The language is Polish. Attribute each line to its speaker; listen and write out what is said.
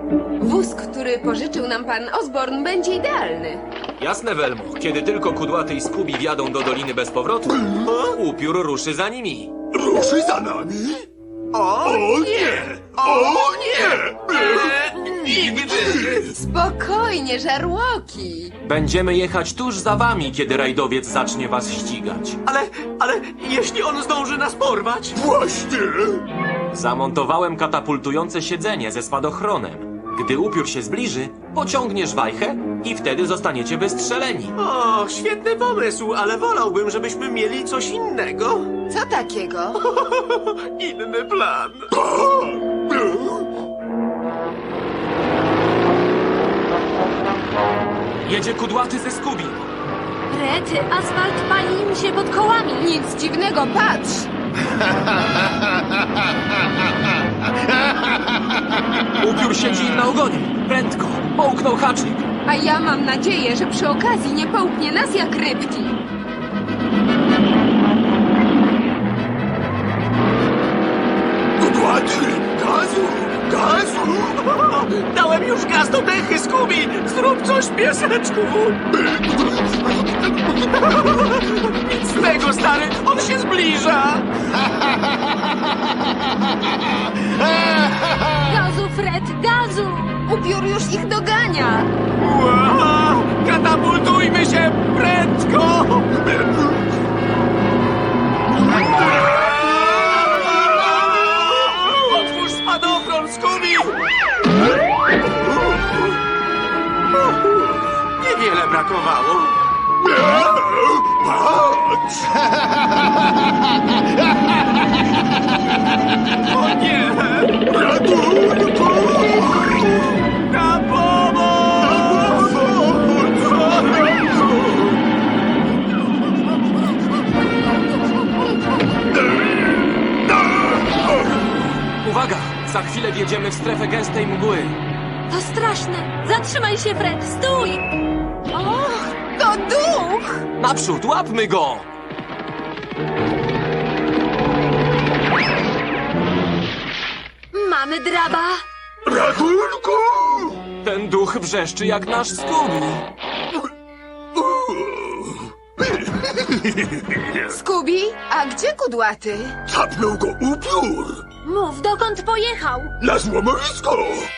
Speaker 1: Wóz, który pożyczył nam pan Osborn, będzie idealny.
Speaker 2: Jasne, Welmo. Kiedy tylko Kudłaty i Scooby wjadą do doliny bez powrotu, upiór ruszy za nimi.
Speaker 3: Ruszy za nami? O nie! O nie! Nigdy!
Speaker 1: Spokojnie, żarłoki.
Speaker 2: Będziemy jechać tuż za wami, kiedy rajdowiec zacznie was ścigać.
Speaker 4: Ale jeśli on zdąży nas porwać?
Speaker 3: Właśnie!
Speaker 2: Zamontowałem katapultujące siedzenie ze spadochronem. Gdy upiór się zbliży, pociągniesz wajchę i wtedy zostaniecie wystrzeleni.
Speaker 4: O, świetny pomysł, ale wolałbym, żebyśmy mieli coś innego.
Speaker 1: Co takiego?
Speaker 4: Inny plan.
Speaker 2: Jedzie Kudłaty ze Scooby.
Speaker 5: Rety, asfalt pali im się pod kołami.
Speaker 1: Nic dziwnego, patrz.
Speaker 2: Upiór siedzi im na ogonie. Prędko, połknął haczyk.
Speaker 1: A ja mam nadzieję, że przy okazji nie połknie nas jak rybki.
Speaker 3: Kudłaty! Gazu! Gazu!
Speaker 4: Dałem już gaz do dechy, Scooby! Zrób coś, pieseczku! Nic z tego, stary! On się zbliża!
Speaker 5: Gazu, Fred, gazu!
Speaker 1: Upiór już ich dogania.
Speaker 4: Wow! Katapultujmy się prędko! Otwórz spadochron, Scooby! Niewiele brakowało.
Speaker 3: Patrz!
Speaker 4: O nie!
Speaker 3: Ratunku!
Speaker 4: Na pomoc!
Speaker 2: Uwaga! Za chwilę wjedziemy w strefę gęstej mgły.
Speaker 5: To straszne! Zatrzymaj się, Fred, stój!
Speaker 1: Och, to duch!
Speaker 2: Naprzód, łapmy go!
Speaker 5: Mamy draba!
Speaker 3: Ratunku!
Speaker 2: Ten duch wrzeszczy jak nasz Scooby.
Speaker 1: Scooby, a gdzie Kudłaty?
Speaker 3: Capnął go upiór!
Speaker 5: Mów, dokąd pojechał?
Speaker 3: Na złomowisko!